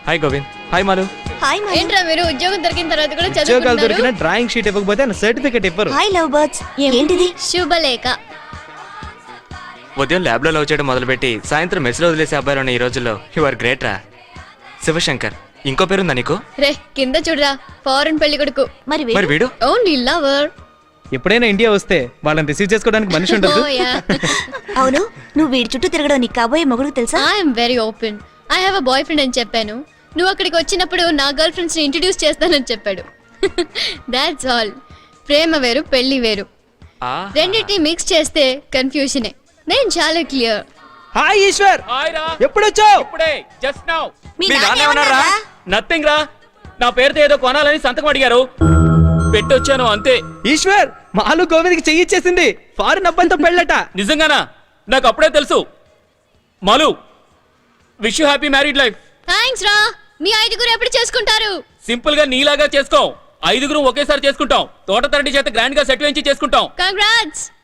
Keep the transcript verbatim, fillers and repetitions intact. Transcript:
Hi Govind. Hi Malu. Hi Malu. ఏంట్రా మీరు ఉద్యోగం దొరికిన తర్వాత కూడా ఉద్యోగాలు చదువుకుంటున్నారు? దొరికిన డ్రాయింగ్ షీట్ ఇవ్వకపోతే సర్టిఫికెట్ ఇవ్వరు. Hi love birds. ఏంటిది? శుభలేఖ. ఉదయం ల్యాబ్ లో లవ్ చేయడం మొదలుపెట్టి సాయంత్రం మెస్ లో వదిలేసే అబ్బాయిలు ఉన్న ఈ రోజుల్లో యు ఆర్ గ్రేట్ రా. శివశంకర్. ఇంకో పేరుందా నీకు? రే కింద చూడరా, ఫారెన్ పెళ్లి కొడుకు. మరి మరి వీడు ఓన్లీ లవర్. ఎప్పుడైనా ఇండియా వస్తే వాళ్ళని రిసీవ్ చేసుకోవడానికి మనిషి ఉండదు. అవును, నువ్వు వీడి చుట్టూ తిరగడం నీకు కాబోయే మొగుడు తెలుసా? I'm very open. I have a boy friend అని చెప్పాను. నువ్వు అక్కడికి వచ్చినప్పుడు నా గర్ల్ ఫ్రెండ్స్ ని ఇంట్రడ్యూస్ చేస్తానని చెప్పాడు. That's all. ప్రేమ వేరు, పెళ్లి వేరు. రెండింటిని మిక్స్ చేస్తే కన్ఫ్యూజనే. నేను చాలా క్లియర్. హాయ్ ఈశ్వర్, హాయ్ రా. ఎప్పుడు వచ్చావు? ఇప్పుడే జస్ట్ నౌ. మీ మీ నాన్న నాన్న ఏమన్నారా? ఏమన్నారా? నథింగ్ రా. నా పేరుతో ఏదో కొనాలని సంతకం అడిగారు, పెట్టొచ్చాను అంతే. ఈశ్వర్, మాలు గోవింద్కి చెయ్యి ఇచ్చేసింది. ఫారిన్ అబ్బాయితో పెళ్ళట. నిజంగానా? నాకు అప్పుడే తెలుసు. Malu, wish you happy married life. Thanks రా. మీ ఐదుగురు ఎప్పుడు చేసుకుంటారు? సింపుల్ గా నీలాగా చేసుకో. ఐదుగురు ఒకేసారి చేసుకుంటాం. తోట తరటి చేత గ్రాండ్ గా సెట్ వేయించి చేసుకుంటాం. కంగ్రాట్స్.